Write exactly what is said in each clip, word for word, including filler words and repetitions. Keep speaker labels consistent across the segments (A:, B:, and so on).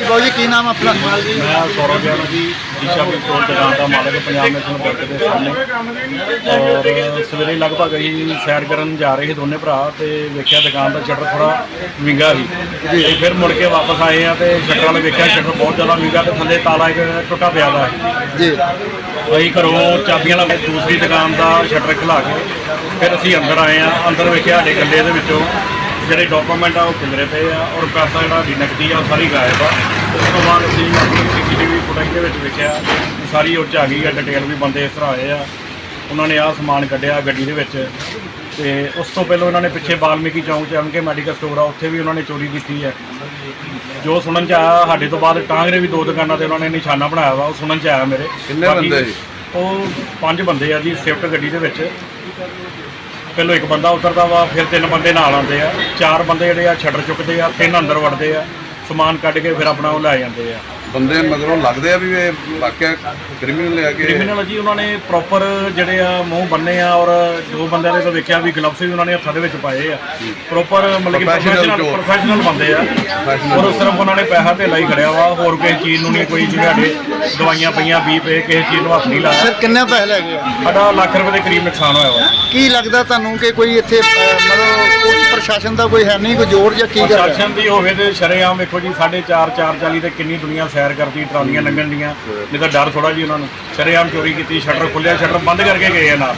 A: ਬਾਬੂ ਜੀ ਕੀ ਨਾਮ ਆਪਣਾ?
B: मैं सौरभ यादव जी ईशा पेट्रोल दुकान का मालिक पंजाब नेशनल बैंक के सामने। और सवेरे लगभग अं सैर करन जा रहे दोनों भरा तो वेख्या दुकान का शटर थोड़ा विंगा ही ते फिर मुड़ के वापस आए हैं तो शटर वाले वेख्या शटर बहुत ज़्यादा विंगा तो थले ताला एक टुटा पिया है
A: जी।
B: अं घरों चाबियां ला के दूसरी दुकान का शटर खिला के फिर असी अंदर आए हैं। अंदर वेख्या साडे गले दे विचों ਜਿਹੜੇ ਡਾਕੂਮੈਂਟ ਆ ਉਹ ਖਿਲਰੇ ਪਏ ਆ ਔਰ ਪੈਸਾ ਜਿਹੜਾ ਵੀ ਨਕਦੀ ਆ ਉਹ ਸਾਰੀ ਗਾਇਬ ਆ। ਉਸ ਤੋਂ ਬਾਅਦ ਅਸੀਂ ਆਪਣੀ ਸੀ ਸੀ ਟੀ ਵੀ ਫੁਟੇਜ ਦੇ ਵਿੱਚ ਵੇਖਿਆ ਸਾਰੀ ਉਹ 'ਚ ਆ ਗਈ ਆ ਡਿਟੇਲ ਵੀ ਬੰਦੇ ਇਸ ਤਰ੍ਹਾਂ ਆਏ ਆ ਉਹਨਾਂ ਨੇ ਆਹ ਸਮਾਨ ਕੱਢਿਆ ਗੱਡੀ ਦੇ ਵਿੱਚ। ਤੇ ਉਸ ਤੋਂ ਪਹਿਲਾਂ ਉਹਨਾਂ ਨੇ ਪਿੱਛੇ ਵਾਲਮੀਕੀ ਚੌਂਕ 'ਚ ਐਮ ਕੇ ਮੈਡੀਕਲ ਸਟੋਰ ਆ ਉੱਥੇ ਵੀ ਉਹਨਾਂ ਨੇ ਚੋਰੀ ਕੀਤੀ ਹੈ। ਜੋ ਸੁਣਨ 'ਚ ਆਇਆ ਸਾਡੇ ਤੋਂ ਬਾਅਦ ਟਾਂਗਰੇ ਵੀ ਦੋ ਦੁਕਾਨਾਂ 'ਤੇ ਉਹਨਾਂ ਨੇ ਨਿਸ਼ਾਨਾ ਬਣਾਇਆ ਵਾ ਉਹ ਸੁਣਨ 'ਚ ਆਇਆ ਮੇਰੇ।
C: ਕਿੰਨੇ ਬੰਦੇ ਜੀ?
B: ਉਹ ਪੰਜ ਬੰਦੇ ਆ ਜੀ ਸਵਿਫਟ ਗੱਡੀ ਦੇ ਵਿੱਚ। ਪਹਿਲੋਂ ਇੱਕ ਬੰਦਾ ਉਤਰਦਾ ਵਾ ਫਿਰ ਤਿੰਨ ਬੰਦੇ ਨਾਲ ਆਉਂਦੇ ਆ ਚਾਰ ਬੰਦੇ ਜਿਹੜੇ ਆ ਸ਼ਟਰ ਚੁੱਕਦੇ ਆ ਤਿੰਨ ਅੰਦਰ ਵੜਦੇ ਆ ਸਮਾਨ ਕੱਢ ਕੇ ਫਿਰ ਆਪਣਾ ਉਹ ਲੈ ਜਾਂਦੇ ਆ।
C: ਬੰਦੇ ਮਗਰੋਂ ਲੱਗਦੇ ਆ ਵੀ ਇਹ ਵਾਕਿਆ ਕ੍ਰਿਮੀਨਲ ਆ ਕੇ
B: ਕ੍ਰਿਮੀਨਲ ਜੀ ਉਹਨਾਂ ਨੇ ਪ੍ਰੋਪਰ ਜਿਹੜੇ ਆ ਮੂੰਹ ਬੰਨੇ ਆ ਔਰ ਜੋ ਬੰਦਿਆਂ ਨੇ ਤਾਂ ਵੇਖਿਆ ਵੀ ਗਲਵਸ ਵੀ ਉਹਨਾਂ ਨੇ ਹੱਥਾਂ ਦੇ ਵਿੱਚ ਪਾਏ ਆ ਪ੍ਰੋਪਰ ਮਤਲਬ ਕਿ ਪ੍ਰੋਫੈਸ਼ਨਲ ਪ੍ਰੋਫੈਸ਼ਨਲ ਬੰਦੇ ਆ ਔਰ ਸਿਰਫ ਉਹਨਾਂ ਨੇ ਪੈਸਾ ਧੇਲਾ ਹੀ ਖੜਿਆ ਵਾ ਹੋਰ ਕਿਸੇ ਚੀਜ਼ ਨੂੰ ਨਹੀਂ ਕੋਈ ਜਿਹੜੇ ਦਵਾਈਆਂ ਪਈਆਂ ਵੀਹ ਪਏ ਕਿਸੇ ਚੀਜ਼ ਨੂੰ ਹੱਥ ਨਹੀਂ ਲਾਇਆ।
A: ਸਰ ਕਿੰਨੇ ਪੈਸੇ ਲੈ ਗਏ?
B: ਸਾਡਾ ਲੱਖ ਰੁਪਏ ਦੇ ਕਰੀਬ ਨੁਕਸਾਨ ਹੋਇਆ ਵਾ।
A: ਕੀ ਲੱਗਦਾ ਤੁਹਾਨੂੰ ਕਿ ਕੋਈ ਇੱਥੇ ਅਹ, ਮਤਲਬ ਪੁਲਿਸ ਪ੍ਰਸ਼ਾਸਨ ਦਾ ਕੋਈ ਹੈ ਨਹੀਂ ਕੋਈ ਜ਼ੋਰ ਜਾਂ ਕੀ ਕਰ ਰਿਹਾ?
B: ਪ੍ਰਸ਼ਾਸਨ ਦੀ ਹੋਵੇ ਤੇ ਸ਼ਰੇਆਮ ਵੇਖੋ ਜੀ ਸਾਢੇ ਚਾਰ ਚਾਰ ਚਾਲੀ ਤੇ ਕਿੰਨੀ ਦੁਨੀਆ ਸੈਰ ਕਰਦੀ ਟਰਾਲੀਆਂ ਲੰਘਣ ਦੀਆਂ ਨਹੀਂ ਤਾਂ ਡਰ ਥੋੜਾ ਜੀ ਉਹਨਾਂ ਨੂੰ। ਸ਼ਰੇਆਮ ਚੋਰੀ ਕੀਤੀ ਸ਼ਟਰ ਖੁੱਲਿਆ ਸ਼ਟਰ ਬੰਦ ਕਰਕੇ ਗਏ ਆ ਨਾਲ।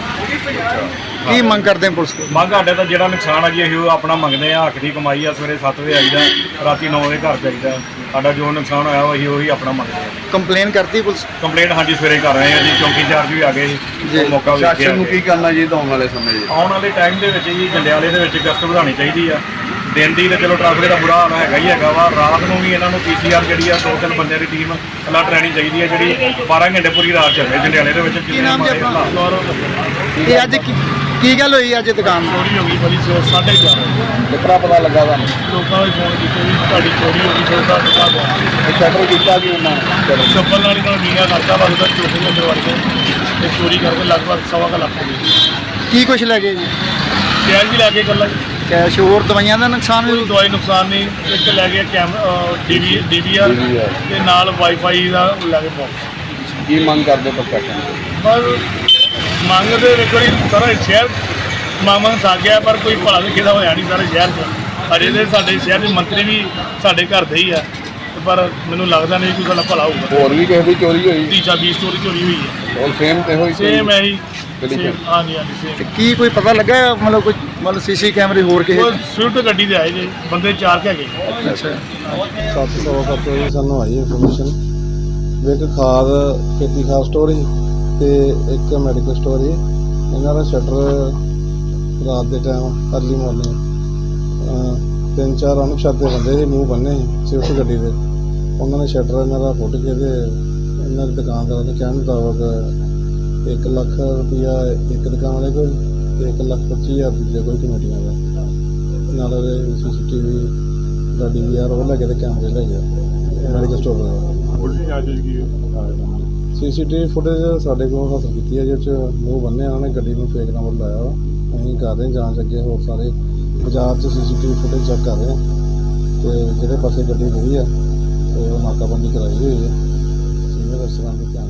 A: ਕੀ ਮੰਗ ਕਰਦੇ ਆ ਪੁਲਿਸ ਕੋਲ?
B: ਮੰਗ ਸਾਡੇ ਤਾਂ ਜਿਹੜਾ ਨੁਕਸਾਨ ਆ ਜੀ ਅਸੀਂ ਉਹ ਆਪਣਾ ਮੰਗਦੇ ਆ। ਹੱਕ ਦੀ ਕਮਾਈ ਆ ਸਵੇਰੇ ਸੱਤ ਵਜੇ ਆਈਦਾ ਰਾਤੀ ਨੌ ਵਜੇ ਘਰ ਜਾਈਦਾ। ਸਾਡਾ ਜੋ ਨੁਕਸਾਨ ਹੋਇਆ ਉਹ ਅਸੀਂ ਉਹੀ ਆਪਣਾ ਮੰਗਦੇ ਆ।
A: ਕੰਪਲੇਨ ਕਰਤੀ ਪੁਲਿਸ?
B: ਕੰਪਲੇਂਟ ਹਾਂਜੀ ਸਵੇਰੇ ਕਰ ਰਹੇ ਆ ਜੀ ਚੌਂਕੀ ਚਾਰਜ ਵੀ ਆ ਗਏ
A: ਜੀ।
B: ਉਹ ਮੌਕਾ
C: ਸ਼ਾਸਨ ਨੂੰ
B: ਵੇਖਿਆ
C: ਕੀ ਕਰਨਾ ਚਾਹੀਦਾ ਆਉਣ ਵਾਲੇ ਸਮੇਂ 'ਚ?
B: ਆਉਣ ਵਾਲੇ ਟਾਈਮ ਦੇ ਵਿੱਚ ਜੀ ਜੰਡਿਆਲੇ ਦੇ ਵਿੱਚ ਗਸ਼ਤ ਵਧਾਉਣੀ ਚਾਹੀਦੀ ਆ। ਦਿਨ ਦੀ ਤਾਂ ਚਲੋ ਟ੍ਰੈਫਿਕ ਦਾ ਬੁਰਾ ਹਾਲ ਹੈਗਾ ਹੀ ਹੈਗਾ ਵਾ। ਰਾਤ ਨੂੰ ਵੀ ਇਹਨਾਂ ਨੂੰ ਪੀ ਸੀ ਆਰ ਜਿਹੜੀ ਆ ਦੋ ਤਿੰਨ ਬੰਦਿਆਂ ਦੀ ਟੀਮ ਅਲਰਟ ਰਹਿਣੀ ਚਾਹੀਦੀ ਹੈ ਜਿਹੜੀ ਬਾਰਾਂ ਘੰਟੇ ਪੂਰੀ ਰਾਤ ਚੱਲੇ ਜੰਡਿਆਲੇ ਦੇ ਵਿੱਚ।
A: ਕੀ ਨਾਮ ਜੀ ਆਪਣਾ? ਇਹ ਅੱਜ ਕੀ ਕੀ ਗੱਲ ਹੋਈ ਅੱਜ ਦੁਕਾਨ ਦੀ?
B: ਚੋਰੀ ਹੋ ਗਈ ਬੜੀ ਸਵੇਰ ਸਾਢੇ ਚਾਰ ਵਜੇ।
C: ਕਿਤਨਾ ਪਤਾ ਲੱਗਾ ਤੁਹਾਨੂੰ?
B: ਲੋਕਾਂ ਨੇ ਫੋਨ ਕੀਤੇ ਵੀ ਤੁਹਾਡੀ ਚੋਰੀ ਹੋ ਗਈ ਛੋਟਾ ਦੁਕਾਨ
C: ਸ਼ਟਰ ਕੀਤਾ ਕੀ ਉਹਨਾਂ ਨੇ?
B: ਚੱਪਲ ਨਾਲ ਇਹਨਾਂ ਮੀਨਾ ਕਰਦਾ ਵਾ ਉਹਦਾ ਚੋਰੀ ਦੇ ਵੜ ਕੇ ਤੇ ਚੋਰੀ ਕਰਕੇ ਲਗਭਗ ਸਵਾ ਕੁ ਲੱਖ ਹੋ ਗਈ।
A: ਕੀ ਕੁਛ ਲੈ ਗਏ ਜੀ?
B: ਕੈਸ਼ ਵੀ ਲੈ ਕੇ ਗੱਲਾਂ
A: ਕੈਸ਼ ਹੋਰ ਦਵਾਈਆਂ ਦਾ ਨੁਕਸਾਨ
B: ਕੋਈ
A: ਵੀ?
B: ਦਵਾਈ ਨੁਕਸਾਨ ਨਹੀਂ। ਇੱਕ ਲੈ ਕੇ ਕੈਮਰਾ ਡੀਵੀ ਡੀਵੀਆਰ ਤੇ ਨਾਲ ਵਾਈਫਾਈ ਦਾ ਲੈ ਕੇ ਬਾਕਸ।
C: ਕੀ ਮੰਗ ਕਰਦੇ ਪ੍ਰਸ਼ਾਸਨ ਤੋਂ?
B: ਬਸ ਮੰਗਦੇ ਵੇਖੋ ਜੀ ਸਾਰਾ ਸ਼ਹਿਰ ਮੰਗ ਮੰਗ ਥੱਕ ਗਿਆ ਪਰ ਕੋਈ ਭਲਾ ਵੀ ਕਿਹਦਾ ਹੋਇਆ ਨਹੀਂ ਸਾਰੇ ਸ਼ਹਿਰ 'ਚ। ਅਜੇ ਦੇ ਸਾਡੇ ਸ਼ਹਿਰ ਦੇ ਮੰਤਰੀ ਵੀ ਸਾਡੇ ਘਰ ਦੇ ਹੀ ਆ ਤੇ ਪਰ ਮੈਨੂੰ ਲੱਗਦਾ ਨਹੀਂ ਕੋਈ ਸਾਡਾ ਭਲਾ ਹੋਊਗਾ।
C: ਹੋਰ ਵੀ ਕਿਸੇ ਦੀ ਚੋਰੀ ਹੋਈ?
B: ਤੀਜਾ ਵੀਹ ਸਟੋਰੀ ਚੋਰੀ ਹੋਈ ਹੈ।
C: ਔਰ ਸੇਮ ਤੇ ਹੋਈ?
B: ਸੇਮ ਹੈ ਜੀ
C: ਗਲੀ 'ਚ?
B: same, ਹਾਂਜੀ ਹਾਂਜੀ
A: ਤੇ
B: ਸੇਮ।
A: ਕੀ ਕੋਈ ਪਤਾ ਲੱਗਾ ਮਤਲਬ ਕੋਈ ਮਤਲਬ ਸੀਸੀ ਕੈਮਰੇ ਹੋਰ ਕਿਸੇ?
B: ਉਹ ਸਵਿਫਟ ਗੱਡੀ ਦੇ ਆਏ ਜੀ ਬੰਦੇ ਚਾਰ ਕੇ ਹੈਗੇ।
A: ਅੱਛਾ।
D: ਸੱਤ ਸੌ ਸੱਤ ਵਜੇ ਸਾਨੂੰ ਆਈ ਇਨਫੋਰਮੇਸ਼ਨ ਵੀ ਇੱਕ ਖਾਦ ਖੇਤੀ ਖਾਦ ਸਟੋਰ ਸੀ ਤੇ ਇੱਕ ਮੈਡੀਕਲ ਸਟੋਰ ਸੀ। ਇਹਨਾਂ ਦਾ ਸ਼ਟਰ ਰਾਤ ਦੇ ਟਾਈਮ ਅਰਲੀ ਮਾਰਨਿੰਗ ਤਿੰਨ ਚਾਰ ਅਣਪਛਾਤੇ ਬੰਦੇ ਸੀ ਮੂੰਹ ਬੰਨੇ ਸੀ ਸਵਿਫਟ ਗੱਡੀ ਦੇ। ਉਹਨਾਂ ਨੇ ਸ਼ਟਰ ਇਹਨਾਂ ਦਾ ਫੁੱਟ ਕੇ ਤੇ ਇਹਨਾਂ ਦੀ ਦੁਕਾਨਦਾਰਾਂ ਦੇ ਕਹਿਣ ਮੁਤਾਬਕ ਇੱਕ ਲੱਖ ਰੁਪਈਆ ਇੱਕ ਦੁਕਾਨ ਵਾਲੇ ਕੋਲ ਤੇ ਇੱਕ ਲੱਖ ਪੱਚੀ ਹਜ਼ਾਰ ਦੂਜੇ ਕੋਲ ਕਮੇਟੀਆਂ ਦਾ ਨਾਲ ਉਹਦੇ ਸੀ ਸੀ ਟੀ ਵੀ ਦਾ ਡੀ ਵੀ ਆਰ ਉਹ ਲੈ ਕੇ ਤੇ ਕੈਮਰੇ ਲੈ ਗਿਆ ਮੈਡੀਕਲ ਸਟੋਰ ਦਾ। C C T V footage ਸਾਡੇ ਕੋਲ ਹਾਸਲ ਕੀਤੀ ਹੈ ਜਿਹਦੇ 'ਚ ਮੂੰਹ ਬੰਨ੍ਹਿਆ ਉਹਨਾਂ ਨੇ ਗੱਡੀ ਨੂੰ ਫੇਕ ਨੰਬਰ ਲਾਇਆ ਵਾ। ਅਸੀਂ ਕਰ ਰਹੇ ਜਾਂਚ ਅੱਗੇ ਹੋਰ ਸਾਰੇ ਬਾਜ਼ਾਰ 'ਚ C C T V footage check ਕਰ ਰਹੇ ਹਾਂ ਤੇ ਜਿਹੜੇ ਪਾਸੇ ਗੱਡੀ ਗਈ ਆ ਤੇ ਉਹ ਨਾਕਾਬੰਦੀ ਕਰਾਈ ਹੋਈ ਹੈ। ਸੀਨੀਅਰ ਅਫਸਰਾਂ ਦੇ ਧਿਆਨ